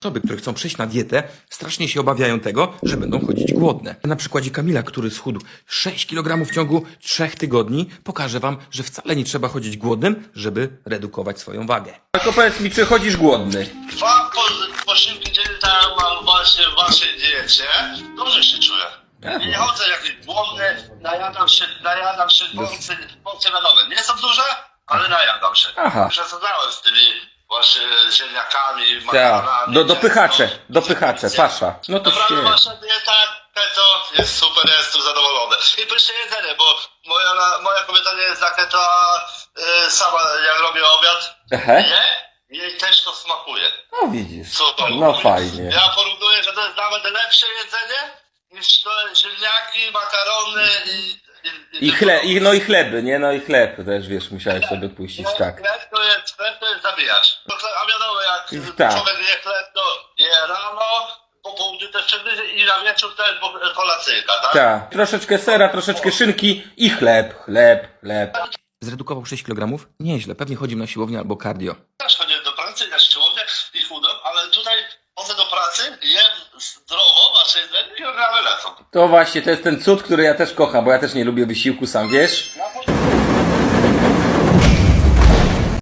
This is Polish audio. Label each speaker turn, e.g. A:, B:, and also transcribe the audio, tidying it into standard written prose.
A: Osoby, które chcą przejść na dietę, strasznie się obawiają tego, że będą chodzić głodne. Na przykładzie Kamila, który schudł 6 kg w ciągu 3 tygodni, pokażę wam, że wcale nie trzeba chodzić głodnym, żeby redukować swoją wagę. Tylko powiedz mi, czy chodzisz głodny?
B: 2 posiłki dziennie tam mam właśnie w waszej diecie. Dobrze się czuję. Nie chodzę jakiś głodny, najadam się porcje na nowe. Nie są duże, ale najadam się.
A: Aha.
B: Przesadzałem z tymi właśnie ziemniakami,
A: Tak,
B: makaronami.
A: dopychacze, pasza. No to
B: Naprawdę
A: świetnie.
B: wasza dieta keto jest super, ja jestem zadowolony. I pyszne jedzenie, bo moja kobieta nie jest za keto, a sama jak robię obiad,
A: Aha.
B: jej też to smakuje.
A: No widzisz,
B: Super.
A: no fajnie.
B: Ja porównuję, że to jest nawet lepsze jedzenie niż to ziemniaki, makarony
A: I chleby, nie? No i chleb też, wiesz, musiałeś sobie puścić, tak.
B: Chleb to jest zabijać. A wiadomo, jak
A: Tak.
B: człowiek je chleb, to je rano, po południu też przegryzie i na wieczór też kolacyjka, tak?
A: Tak. Troszeczkę sera, troszeczkę szynki i chleb. Zredukował 6 kg? Nieźle, pewnie chodził na siłownię albo cardio.
B: Też chodzę do pracy, na siłownię i chudam, ale tutaj chodzę do pracy, jem zdrowo, wasze jedzenie i kilogramy lecą.
A: To właśnie, to jest ten cud, który ja też kocham, bo ja też nie lubię wysiłku, sam wiesz.